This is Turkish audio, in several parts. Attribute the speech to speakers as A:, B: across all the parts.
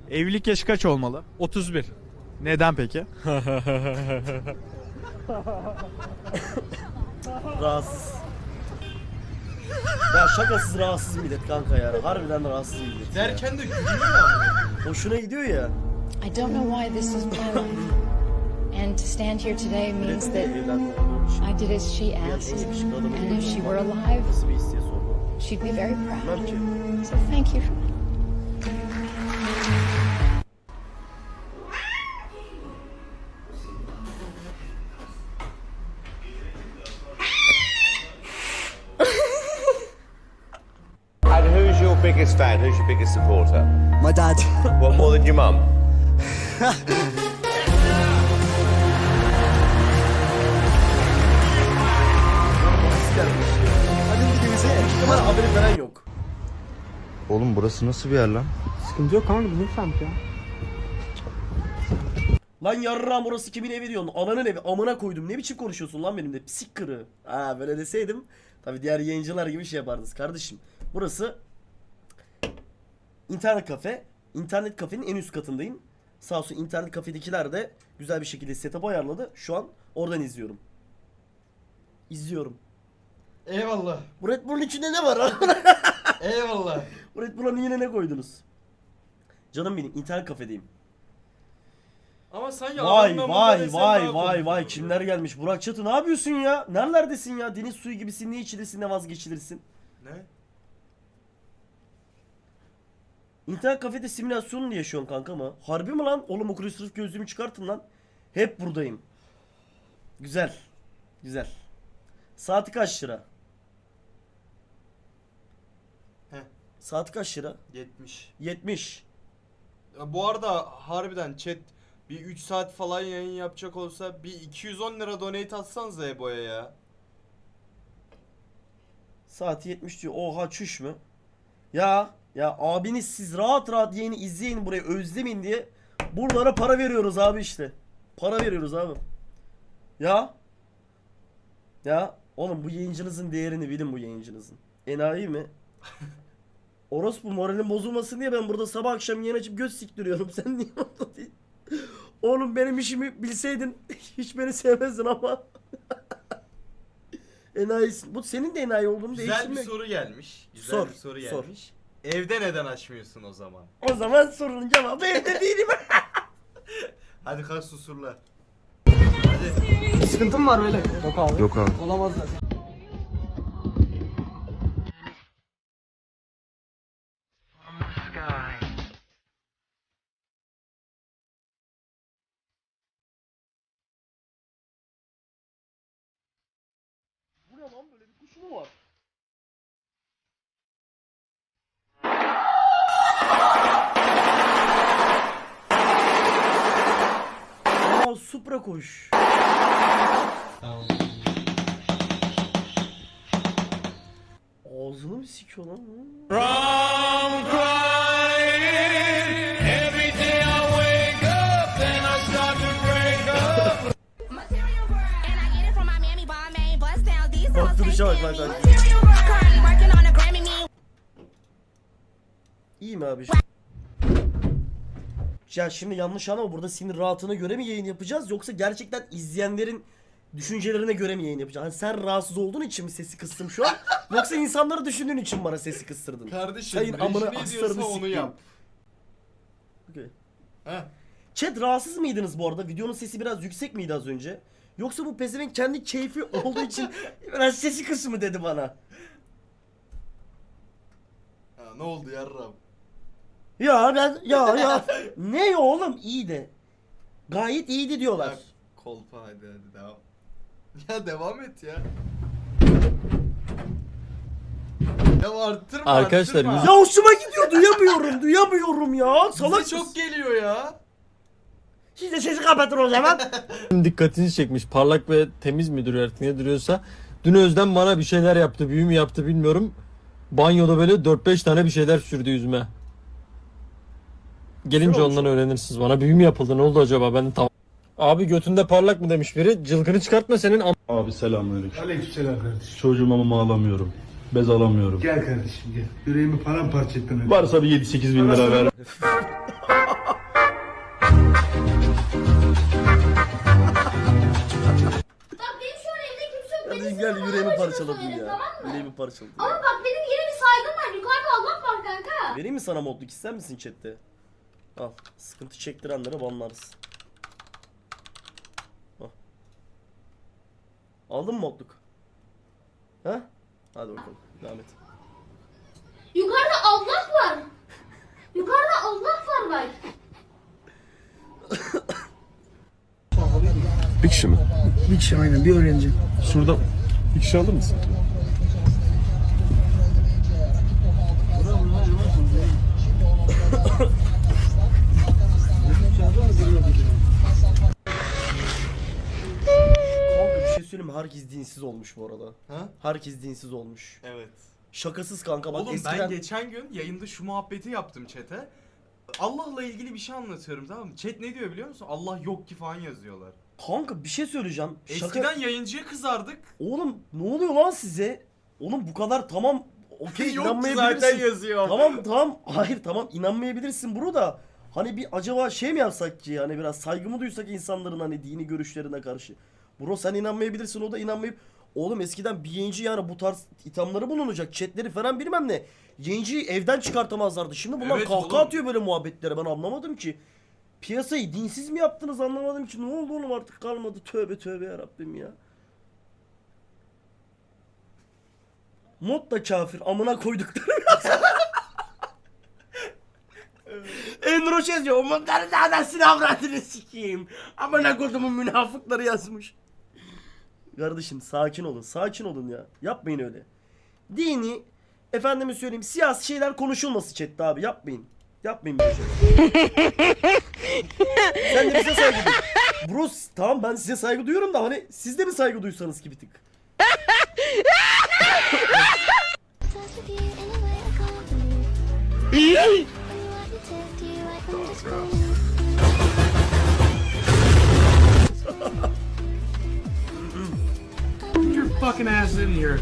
A: Evlilik yaşı kaç olmalı?
B: 31.
A: Neden peki?
C: Rahatsız. Ya şakasız rahatsız millet kanka ya. Harbiden rahatsız millet.
D: Derken de gülüyor ya.
C: Hoşuna gidiyor ya.
E: I don't know why this is my life. And to stand here today means that I did as she asked. And if she were alive,
C: Nasıl bir his diye sordu.
E: she'd be very proud.
C: Bilmem ki.
E: So thank you.
F: And who's your biggest fan? Who's your biggest supporter?
G: My dad.
F: What, more than your mum?
C: Hadi gidelim. Ama haberi falan yok.
H: Oğlum burası nasıl bir yer lan?
B: Sıkıntı yok kanka, bizim semt ya.
C: Lan yarram orası kimin evi diyorsun? Ananın evi. Amına koydum. Ne biçim konuşuyorsun lan benimle? Psik kırı. Ha böyle deseydim. Tabi diğer yayıncılar gibi şey yapardınız. Kardeşim burası internet kafe. İnternet kafenin en üst katındayım. Sağ olsun internet kafedekiler de güzel bir şekilde setup ayarladı. Şu an oradan izliyorum. İzliyorum.
D: Eyvallah.
C: Bu Red Bull'un içinde ne var lan?
D: Eyvallah.
C: Bu Red Bull'a yine ne koydunuz? Canım benim internet kafedeyim.
D: Ama sanki
C: Vay
D: adamın
C: vay
D: amında
C: vay
D: desen
C: vay
D: daha
C: vay
D: komik
C: kimler
D: olur.
C: gelmiş? Burak Çatı ne yapıyorsun ya? Nerelerdesin ya? Deniz suyu gibisin, ne içilirsin ne vazgeçilirsin.
D: Ne?
C: İnternet kafede simülasyonunu yaşıyorsun kanka mı? Harbi mi lan? Oğlum okul sırf gözlüğümü çıkartın lan. Hep buradayım. Güzel. Güzel. Saati kaç lira?
D: Heh.
C: Saati kaç lira?
D: 70.
C: 70.
D: Ya bu arada harbiden chat bir 3 saat falan yayın yapacak olsa bir 210 lira donate atsanıza Ebo'ya ya.
C: Saati 70 diyor. Oha çüş mü? Ya abiniz siz rahat rahat yayını izleyin burayı özlemeyin diye buralara para veriyoruz abi işte. Para veriyoruz abi. Ya oğlum bu yayıncınızın değerini bilin bu yayıncınızın. Enayi mi? Orospu moralin bozulmasın diye ben burada sabah akşam yayın açıp göz siktiriyorum. Sen niye orada değil? Oğlum benim işimi bilseydin hiç beni sevmezdin ama. Enayisin. Bu senin de enayi olduğunu
D: Güzel bir
C: değiştirmek.
D: soru gelmiş. Güzel
C: Sor,
D: bir soru
C: sor.
D: gelmiş. Evde neden açmıyorsun o zaman?
C: O zaman sorunun cevabı evde değilim.
D: Hadi kalk susurla.
B: Sıkıntım var böyle. Yok abi.
H: Yok abi.
B: Olamaz zaten.
C: Bu ne lan böyle bir kuş mu var? Aa Supra kuş. Ağzını mı sikiyor lan? Bak duruşa bak bak bak. İyi mi abi? Ya şimdi yanlış anlama, burada sinir rahatına göre mi yayın yapacağız yoksa gerçekten izleyenlerin düşüncelerine göre mi yayın yapacağız? Hani sen rahatsız olduğun için mi sesi kıstım şu an yoksa insanları düşündüğün için mi bana sesi kıstırdın?
D: Kardeşim
C: Sayın amına
D: rejini
C: aslarını
D: ediyorsa onu
C: sikeyim.
D: yap.
C: Okay.
D: Heh.
C: Chat rahatsız mıydınız bu arada? Videonun sesi biraz yüksek miydi az önce? Yoksa bu pezevenk kendi keyfi olduğu için biraz sesi kısmı dedi bana.
D: Ha, ne oldu yarram?
C: Ya ben ya ne oğlum iyi de. Gayet iyiydi diyorlar.
D: Ya, kolpa hadi devam. Ya devam et ya. Ya arttırma
B: Arkadaşlar,
D: arttırma.
C: Ya hoşuma gidiyor, duyamıyorum ya. Salak
D: Bize çok geliyor ya.
C: Siz de sesi kapatın o zaman.
B: Dikkatini çekmiş. Parlak ve temiz midir artık ne duruyorsa. Dün Özlem bana bir şeyler yaptı. Büyü mü yaptı bilmiyorum. Banyoda böyle 4-5 tane bir şeyler sürdü yüzüme. Gelince ondan öğrenirsiniz. Bana büyü mü yapıldı? Ne oldu acaba? Ben de tam... Abi götünde parlak mı demiş biri. Cılkını çıkartma senin
I: Abi selamünaleyküm.
J: Aleykümselam kardeşim.
I: Çocuğuma mama alamıyorum. Bez alamıyorum.
J: Gel kardeşim gel. Yüreğimi paramparça ettin.
I: Varsa bir 7-8 bin lira ver.
C: parçaladı.
G: Ama bak benim yine bir saygım var. Yukarıda Allah var kanka.
C: Vereyim mi sana modluk, ister misin chatte? Al. Sıkıntı çektirenlere banlarız. Al. Aldın mı modluk? Ha? Hadi bakalım. Devam et.
G: Yukarıda Allah var. Yukarıda Allah var bak.
J: Bir kişi mi?
K: Bir kişi aynen, bir öğrenci.
J: Şurada bir kişi alır mısın?
C: Kanka bir şey söyleyeyim mi? Herkes dinsiz olmuş bu arada.
D: Ha?
C: Herkes dinsiz olmuş.
D: Evet.
C: Şakasız kanka bak
D: Oğlum
C: eskiden...
D: ben geçen gün yayında şu muhabbeti yaptım chat'e. Allah'la ilgili bir şey anlatıyorum, tamam mı? Chat ne diyor biliyor musun? Allah yok ki falan yazıyorlar.
C: Kanka bir şey söyleyeceğim.
D: Eskiden yayıncıya kızardık.
C: Oğlum ne oluyor lan size? Oğlum bu kadar tamam okey
D: Yok ki
C: inanmayabilirsin.
D: zaten yazıyor.
C: Tamam hayır tamam inanmayabilirsin bro da hani bir acaba şey mi yapsak ki yani biraz saygı mı duysak insanların hani dini görüşlerine karşı. Bro sen inanmayabilirsin, o da inanmayıp oğlum eskiden bir yayıncı yani bu tarz ithamları bulunacak chatleri falan bilmem ne. Yayıncıyı evden çıkartamazlardı. Şimdi bunlar
D: Evet
C: kahkaha
D: oğlum.
C: atıyor böyle muhabbetlere, ben anlamadım ki. Piyasayı dinsiz mi yaptınız anlamadım ki. Ne oldu oğlum, artık kalmadı. Tövbe tövbe yarabbim ya. Mod da kafir. Amına koyduklarım. Enroş yazıyor. O modları da anasını avradını sikeyim. Amına kodumun münafıkları yazmış. Kardeşim sakin olun. Sakin olun ya. Yapmayın öyle. Dini, efendime söyleyeyim, siyasi şeyler konuşulması chatte abi. Yapmayın. Yapmayın böyle şeyler. Sen de bize saygı duy. Bro tamam ben size saygı duyuyorum da hani siz de mi saygı duysanız ki bir tık?
K: Your fucking ass in here.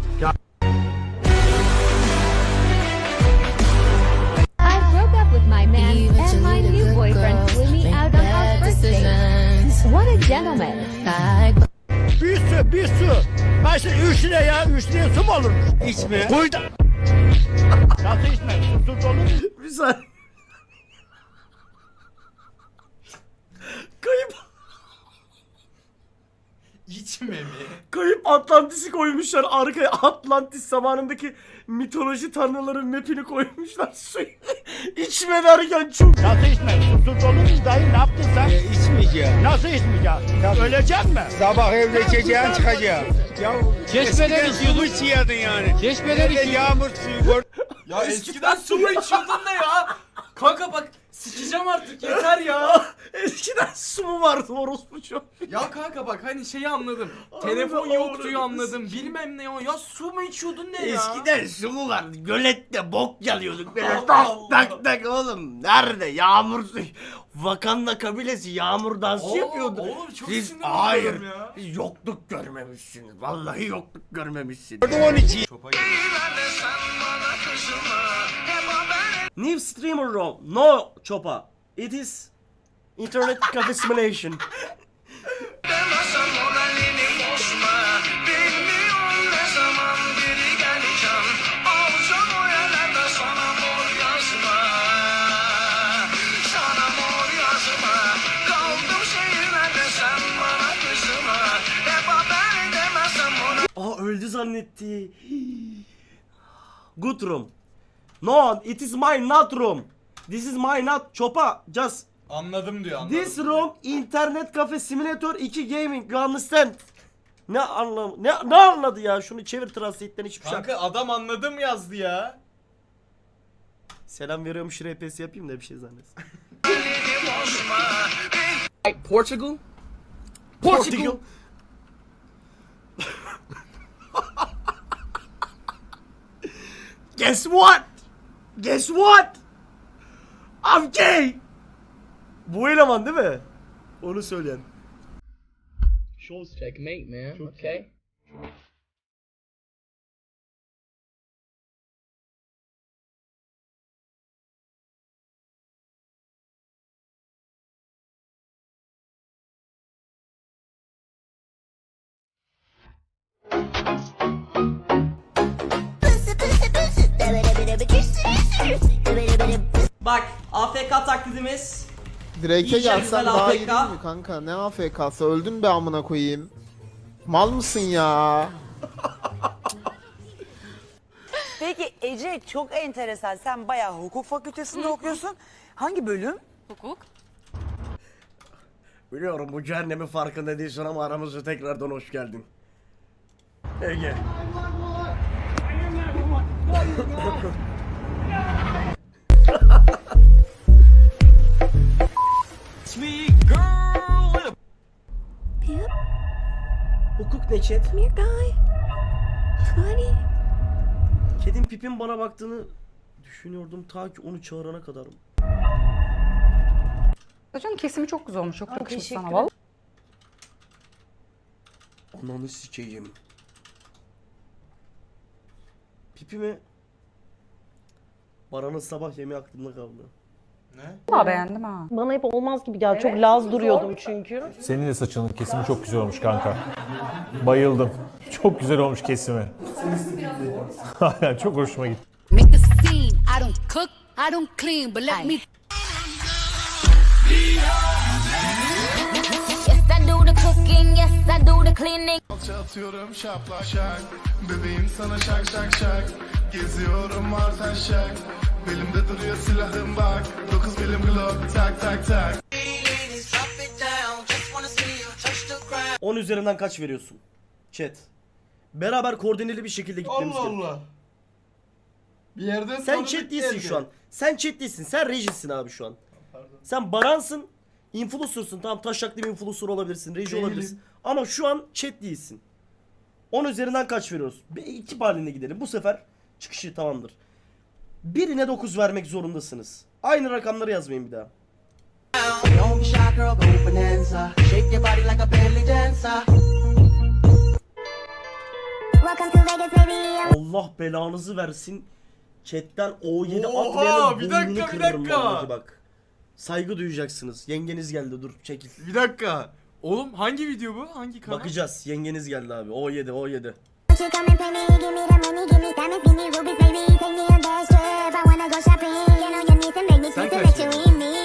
G: I broke up with my man and my new boyfriend flew me out on our first date. What a gentleman.
K: Bir su. Başta 3 lira ya. 3 liraya su mu olur? İçme. Koy da. Nasıl içme? Susuz olur mu?
C: Bir saniye. Kayıp.
D: İçme mi?
C: Kayıp Atlantis'i koymuşlar arkaya. Atlantis zamanındaki mitoloji tanrıların mapini koymuşlar. Suyu içme derken çok...
K: Nasıl içme? Susuz olur mu? Dayı ne yaptın sen? İçmeyeceğim. Nasıl içmeyeceğim? Ölecek mi?
F: Sabah evde içeceğin çıkacağım.
K: Ya çeşmeden su içiyordun yani. Çeşmeden içiyordun. Yağmur suyu.
D: Ya eskiden su mu içiyordun ne ya? Kanka bak sikeceğim artık yeter ya.
C: Eskiden su mu vardı orospu çok?
D: Ya kanka bak hani şeyi anladım. Telefon yoktuyu anladım. Bilmem ne o. Ya su mu içiyordun ne ya?
C: Eskiden su mu vardı? Gölette bok yalıyorduk böyle
D: Allah
C: tak
D: Allah.
C: tak tak oğlum. Nerede? Yağmur suyu. Wakanda kabilesi yağmur dansı yapıyordu.
D: Oğlum çok
C: Siz
D: sinir
C: hayır.
D: oluyorum ya.
C: Siz yokluk görmemişsiniz. Vallahi yokluk görmemişsiniz.
D: Çopa
C: New streamer room. No Chopa. It is internet cafe simulation. Aa öldü zannetti. Good room. No, it is my not room. This is my not Chopa. Just
D: Anladım diyor anladım.
C: this room internet cafe simulator 2 gaming. You understand? Ne anlam ne anladı ya? Şunu çevir translate'den hiçbir şey.
D: Kanka adam anladım yazdı ya.
C: Selam veriyormuş RPS yapayım da bir şey zannetsin.
K: Portugal?
C: Portugal. Guess what? Guess what? I'm gay. Bu eleman değil mi? Onu söyleyen.
K: Checkmate man. Okay.
C: Bak AFK taklidimiz.
L: Drake'e
C: İyice
L: gelsen
C: güzel
L: daha
C: AFK.
L: iyi değil mi kanka? Ne AFK'sı? Öldün be amına koyayım. Mal mısın ya?
K: Peki Ece çok enteresan. Sen bayağı hukuk fakültesinde okuyorsun. Hangi bölüm?
C: Biliyorum bu cehennemin farkında değilsin ama aramıza tekrardan hoş geldin. Ege. Hukuk ne chat? Kedim Pip'in bana baktığını düşünüyordum ta ki onu çağırana kadar.
E: Hocam kesimi çok güzel olmuş. Çok
K: yakışmış sana
E: valla.
C: Ananı sikeyim. Pipi mi? Baran'ın sabah yemeği aklımda kaldı.
D: Ne?
E: Valla beğendim ha.
G: Bana hep olmaz gibi geldi. Çok laz duruyordum çünkü.
J: Senin de saçının kesimi çok güzel olmuş kanka. Bayıldım. Çok güzel olmuş kesimi. Aynen çok hoşuma gitti.
E: Make a scene. I don't cook, I don't clean, but let me
G: Yes, I do the cooking. Yes, I do the cleaning.
I: Atıyorum şaplak şak. Bebeğim sana şak şak şak. Geziyorum artan şak. Belimde duruyor silahım bak. 9 milim glock tak tak tak.
C: 10 üzerinden kaç veriyorsun? Chat. Beraber koordineli bir şekilde gitmemiz
D: Allah
C: gerekiyor.
D: Allah. Bir yerden
C: Sen
D: sonra
C: chat
D: bir
C: değilsin
D: geldi.
C: şu an. Sen chat değilsin. Sen rejisin abi şu an. Sen Baran'sın. Influencer'sın. Tamam taşaklı bir influencer olabilirsin. Reji
D: Değilim.
C: olabilirsin. Ama şu an chat değilsin. 10 üzerinden kaç veriyoruz? Bir ekip halinde gidelim. Bu sefer çıkışı tamamdır. Birine 9 vermek zorundasınız. Aynı rakamları yazmayın bir daha. Allah belanızı versin. Chatten O7
D: Oha,
C: atmayanın
D: bir
C: burnunu
D: dakika, bir
C: kırarım
D: dakika.
C: vallahi bak. Saygı duyacaksınız. Yengeniz geldi dur çekil.
D: Bir dakika. Oğlum hangi video bu? Hangi kanal?
C: Bakacağız. Yengeniz geldi abi. O7 O7.
D: Sen kaç veriyorsun?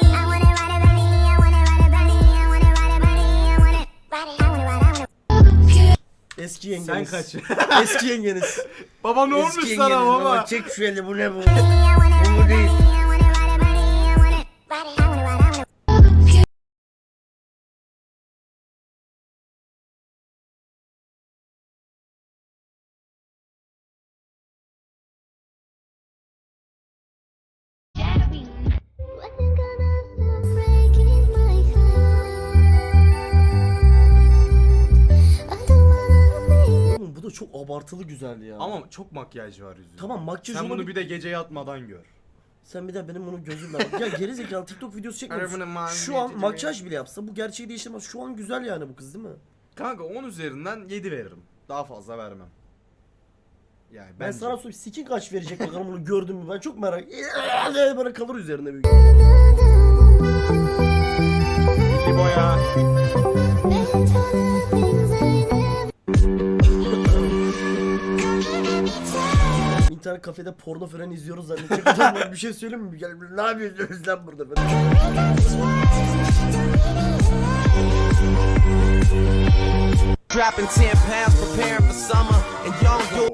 C: Eski yengeniz.
D: Sen kaç?
C: Eski yengeniz.
D: Baba ne
C: Eski
D: olmuş
C: yengeniz
D: sana baba?
C: Çek şu eli bu ne bu? Bu değil. Oğlum bu da çok abartılı güzel ya.
D: Ama çok makyaj var yüzünde.
C: Tamam makyaj
D: Sen bunu
C: olabilir.
D: bir de gece yatmadan gör.
C: Sen bir de benim bunu gözümle bak. Ya geri zekalı TikTok videosu çekmiyorsun.
D: Arabanın
C: Şu an
D: mavi
C: makyaj bile yapsa bu gerçeği değiştirmez. Şu an güzel yani bu kız değil mi?
D: Kanka 10 üzerinden 7 veririm. Daha fazla vermem. Yani
C: Ben
D: bence.
C: sana sorayım Sikin kaç verecek bakalım bunu gördün mü? Ben çok merak. Böyle kalır üzerine büyük.
D: İbo ya.
C: İnternet kafede porno falan izliyoruz zannedecek adamlar bir şey söyleyeyim mi? Gel ne yapıyorsunuz lan burada falan.
K: Dropping 10 pounds, preparing for summer. And young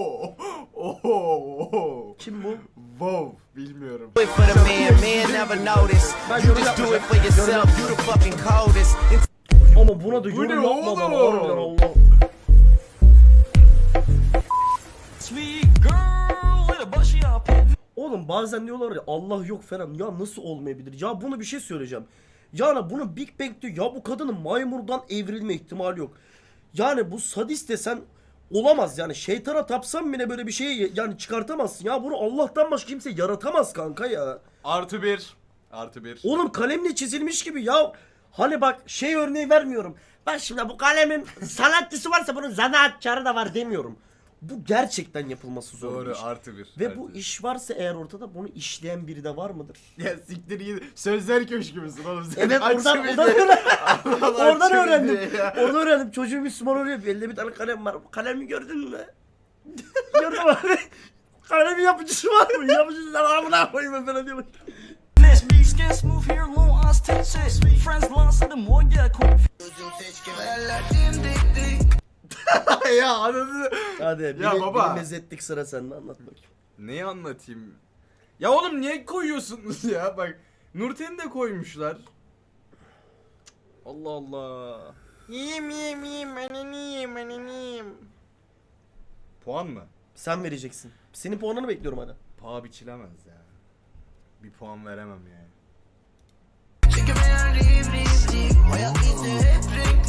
C: Kim bu?
D: Wow, bilmiyorum.
K: do it for the man never notice. You just do it for yourself, you the fucking coldest.
C: Ama buna da
D: Bu
C: yorum
D: ne
C: yapma bana.
D: oğlum?
C: Harbiden Allah. Oğlum bazen diyorlar ya Allah yok falan. Ya nasıl olmayabilir? Ya bunu bir şey söyleyeceğim. Yani bunu Big Bang diyor. Ya bu kadının maymundan evrilme ihtimali yok. Yani bu sadist desen olamaz yani. Şeytana tapsan bile böyle bir şey yani çıkartamazsın. Ya bunu Allah'tan başka kimse yaratamaz kanka ya.
D: Artı 1. Artı 1.
C: Oğlum kalemle çizilmiş gibi ya. Hani bak şey örneği vermiyorum. Bak şimdi bu kalemin sanatçısı varsa bunun zanaatkarı da var demiyorum. Bu gerçekten yapılması zor bir
D: Doğru,
C: iş.
D: artı 1.
C: Ve bu iş varsa eğer ortada bunu işleyen biri de var mıdır?
D: Ya siktir git. Sözler köşkü müsün oğlum sen?
C: Evet
D: Aç
C: oradan
D: bir
C: oradan,
D: de.
C: oradan,
D: Allah
C: oradan
D: aşkına
C: öğrendim.
D: diye ya.
C: Oradan öğrendim. Çocuğu Müslüman oluyor. Elde bir tane kalem var. Bu kalemi gördün mü? Gördüm abi. Öyle bir yapıcısı var mı? Yapıcısı amına koyayım ben falan diyor.
D: Ya anladın.
C: Hadi
D: Ya baba.
C: biri mezetlik sıra sende anlat bakayım.
D: Neyi anlatayım? Ya oğlum niye koyuyorsunuz ya? Bak Nurten'i de koymuşlar. Allah Allah. Yiyeyim ananıyım. Puan mı?
C: Sen vereceksin. Senin puanını bekliyorum hadi.
D: Paha biçilemez ya. Bir puan veremem yani.